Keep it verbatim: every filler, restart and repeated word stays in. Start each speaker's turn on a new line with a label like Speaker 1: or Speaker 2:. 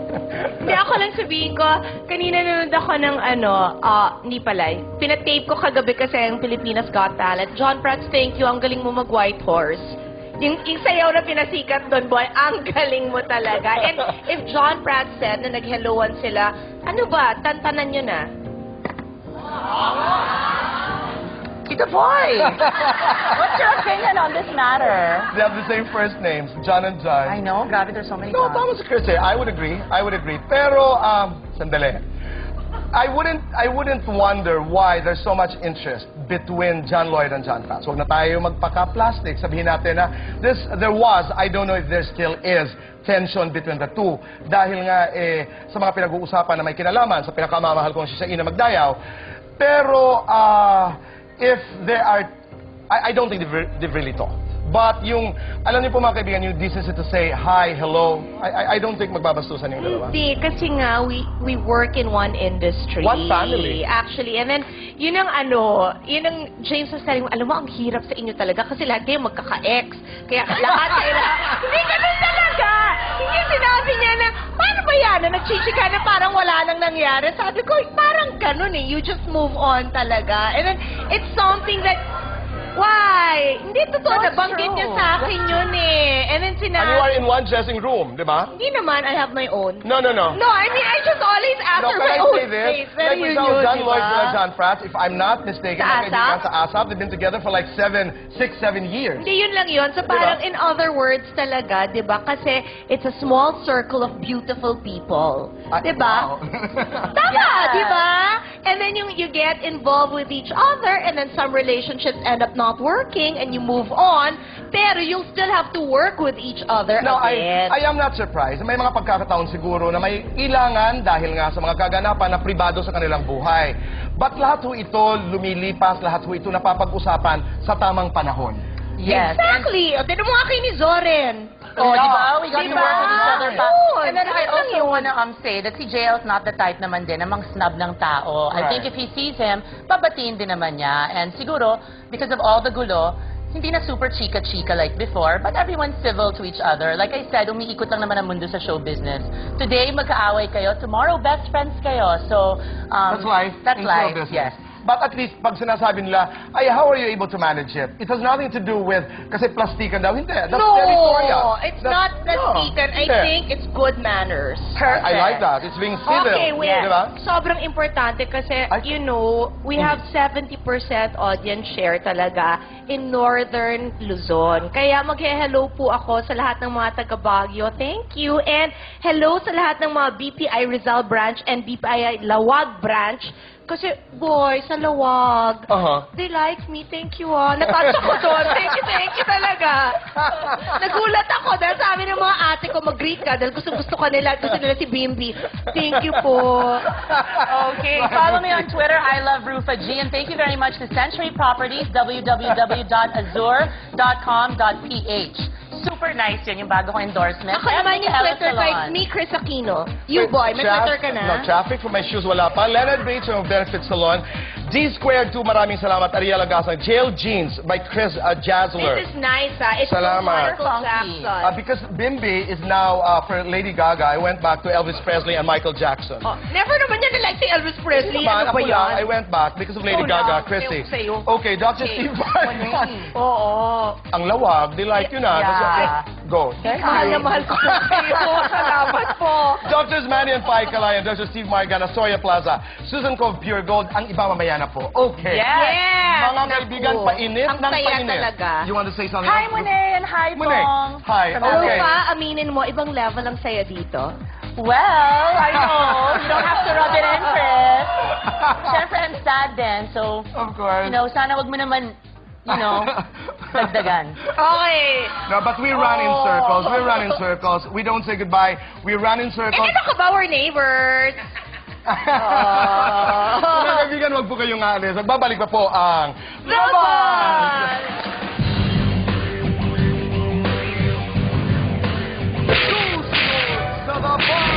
Speaker 1: Hindi, ako lang sabihin ko, kanina nanonood ako ng ano, ah, hindi pala, eh. Pinatape ko kagabi kasi ang Pilipinas Got Talent. John Prats, thank you, ang galing mo mag-White Horse. Yung, yung sayaw na pinasikat doon, boy, ang galing mo talaga. And if John Prats said na nag-helloan sila, ano ba, tantanan nyo na?
Speaker 2: Tita Boy! What's your opinion on this matter?
Speaker 3: They have the same first names, John and John.
Speaker 2: I know, grabe, there's so many
Speaker 3: No,
Speaker 2: Johns.
Speaker 3: tama si Chris eh. I would agree. I would agree. Pero, um, sandali. I wouldn't, I wouldn't wonder why there's so much interest between John Lloyd and John Prats. Huwag na tayo magpaka-plastic. Sabihin natin na this, there was, I don't know if there still is, tension between the two. Dahil nga, eh, sa mga pinag-uusapan na may kinalaman, sa pinakamamahal kong si Ina Magdayaw. Pero, ah, uh, if there are, I, I don't think they've, they've really talked. But yung, alam niyo po mga kaibigan, yung decency to say hi, hello, I, I, I don't think magbabastusan yung dalawa.
Speaker 1: Hindi, kasi nga, we, we work in one industry.
Speaker 3: One family.
Speaker 1: Actually, and then, yun ang ano, yun ang James was telling mo, alam mo, ang hirap sa inyo talaga kasi lahat kayo magkaka-ex. Kaya lahat kayo na, hindi ganun talaga! Hindi sinabi niya na, paano ba yan? Na nagchichika na parang wala nang nangyari. Sabi ko, parang ganun eh. You just move on talaga. And then, it's something that, why? Hindi totoo,
Speaker 2: That's
Speaker 1: nabanggit niya
Speaker 2: true.
Speaker 1: sa akin yun eh. And then
Speaker 3: And you are
Speaker 1: sinabi,
Speaker 3: in one dressing room, di ba?
Speaker 1: hindi naman, I have my own.
Speaker 3: No, no, no.
Speaker 1: No, I mean, I just always
Speaker 3: No,
Speaker 1: answer
Speaker 3: can
Speaker 1: my
Speaker 3: I
Speaker 1: own
Speaker 3: say this?
Speaker 1: space.
Speaker 3: Like,
Speaker 1: Very
Speaker 3: for
Speaker 1: yun
Speaker 3: example,
Speaker 1: yun,
Speaker 3: John
Speaker 1: di
Speaker 3: Lloyd
Speaker 1: ba?
Speaker 3: and John Prats, if I'm not mistaken,
Speaker 1: Sa
Speaker 3: mga kaibigan
Speaker 1: ASAP?
Speaker 3: sa ASAP, they've been together for like seven, six, seven years.
Speaker 1: Hindi, yun lang yun. So
Speaker 3: Di ba?
Speaker 1: parang in other words talaga, di ba? Kasi it's a small circle of beautiful people.
Speaker 3: Ah,
Speaker 1: Di ba?
Speaker 3: wow.
Speaker 1: Tama,
Speaker 2: Yeah.
Speaker 1: di ba? And then yung, you get involved with each other and then some relationships end up not working and you move on, pero you'll still have to work with each other
Speaker 3: No,
Speaker 1: again.
Speaker 3: I, I am not surprised. May mga pagkakataon siguro na may ilangan dahil nga sa mga kaganapan na pribado sa kanilang buhay. But lahat ho ito lumilipas, lahat ho ito napapag-usapan sa tamang panahon.
Speaker 2: Yes.
Speaker 1: Exactly. O, tinan mo nga kay ni Zoren.
Speaker 2: Oh, di ba? We got
Speaker 1: Di
Speaker 2: to
Speaker 1: ba?
Speaker 2: work with each other pa.
Speaker 1: Yun.
Speaker 2: And then I
Speaker 1: Yun
Speaker 2: also
Speaker 1: yun.
Speaker 2: wanna um, say that si J L is not the type naman din namang snub ng tao. I
Speaker 3: Right.
Speaker 2: think if he sees him, babatiin din naman niya. And siguro, because of all the gulo, hindi na super chika-chika like before, but everyone's civil to each other. Like I said, umiikot lang naman ang mundo sa show business. Today, magkaaway kayo. Tomorrow, best friends kayo. So, um,
Speaker 3: That's life.
Speaker 2: That's
Speaker 3: in
Speaker 2: life,
Speaker 3: show business.
Speaker 2: yes.
Speaker 3: But at least, pag sinasabi nila, ay, how are you able to manage it? It has nothing to do with, kasi plastikan daw. Hindi. That's
Speaker 1: No,
Speaker 3: territorial.
Speaker 1: it's
Speaker 3: That's-
Speaker 1: not plastikan.
Speaker 3: No,
Speaker 1: I
Speaker 3: hindi.
Speaker 1: think it's good manners.
Speaker 2: Perfect.
Speaker 3: I like that. It's being civil.
Speaker 1: Okay, wait.
Speaker 3: Di ba?
Speaker 1: Sobrang importante kasi,
Speaker 3: Ay.
Speaker 1: you know, we have seventy percent audience share talaga in Northern Luzon. Kaya mag-hello po ako sa lahat ng mga taga Baguio. Thank you. And hello sa lahat ng mga B P I Rizal branch and B P I Lawag branch. Kasi, boy, sa Lawag,
Speaker 3: Uh-huh.
Speaker 1: they like me. Thank you, ah. Natouch ako doon. Thank you, thank you talaga. Nagulat ako dahil sabi ng mga ate ko, mag-greet ka dahil gusto-gusto ka nila at gusto nila si Bimbi. Thank you po.
Speaker 2: Okay, follow me on Twitter, I love Rufa G, and thank you very much to Century Properties, w w w dot azure dot com dot p h. Super nice yun, yung bago kong endorsement.
Speaker 1: Ako
Speaker 2: And
Speaker 1: naman yung
Speaker 2: Michaela
Speaker 1: Twitter
Speaker 2: Salon.
Speaker 1: kay me, Chris Aquino. You, boy, may
Speaker 3: Traf-
Speaker 1: Twitter ka na?
Speaker 3: No, traffic for my shoes, wala pa. Leonard Bates from Benefit Salon. D Squared two, maraming salamat. Ariel Agasang. Jail Jeans by Chris uh, Jazzler.
Speaker 1: This is nice, ah. It's
Speaker 3: Salamat.
Speaker 1: Michael
Speaker 2: Funky.
Speaker 1: Jackson.
Speaker 3: Uh, because Bimbi is now uh, for Lady Gaga. I went back to Elvis Presley and Michael Jackson.
Speaker 1: Oh, never naman yan na like si Elvis Presley.
Speaker 3: Naman,
Speaker 1: Ano ba
Speaker 3: ako lang, I
Speaker 1: yan?
Speaker 3: went back because of Lady
Speaker 1: Ikaw
Speaker 3: Gaga,
Speaker 1: lang.
Speaker 3: Chrissy.
Speaker 1: Sa'yo, sa'yo.
Speaker 3: Okay, Doctor
Speaker 1: Okay.
Speaker 3: Steve Vargas.
Speaker 1: Oo.
Speaker 3: Ang lawag, they like you na.
Speaker 2: Yeah.
Speaker 3: That's- Go.
Speaker 1: Mahal na mahal ko sa iyo. Salamat po.
Speaker 3: Doctors Manny and Pai Kalayan, Doctor Steve Margana, Soya Plaza, Susan Cove Pure Gold, ang iba mamaya na po. Okay.
Speaker 2: Yes.
Speaker 1: Yes.
Speaker 3: Mga kaibigan,
Speaker 1: Naku.
Speaker 3: painit
Speaker 1: Ang
Speaker 3: ng
Speaker 1: saya
Speaker 3: painit.
Speaker 1: talaga.
Speaker 3: You want to say something?
Speaker 2: Hi,
Speaker 3: else?
Speaker 2: Monet, and hi,
Speaker 3: Monet.
Speaker 2: Bong.
Speaker 3: Hi,
Speaker 2: From
Speaker 3: okay.
Speaker 1: Ano
Speaker 2: L A.
Speaker 1: pa, aminin mo, ibang level ang saya dito.
Speaker 2: Well, I know. You don't have to rub it in, Chris. Siyempre, I'm sad din. So,
Speaker 3: Of course.
Speaker 2: you know, sana wag mo naman, you know, dagdagan.
Speaker 1: Okay.
Speaker 3: No, but we run in
Speaker 1: Oh.
Speaker 3: circles. We run in circles. We don't say goodbye. We run in
Speaker 1: Eh,
Speaker 3: circles.
Speaker 1: ano ka ba, we're neighbors?
Speaker 3: Mga kaibigan, wag po kayong aalis. Magbabalik pa po ang
Speaker 1: Laban!
Speaker 3: Sa The Bar!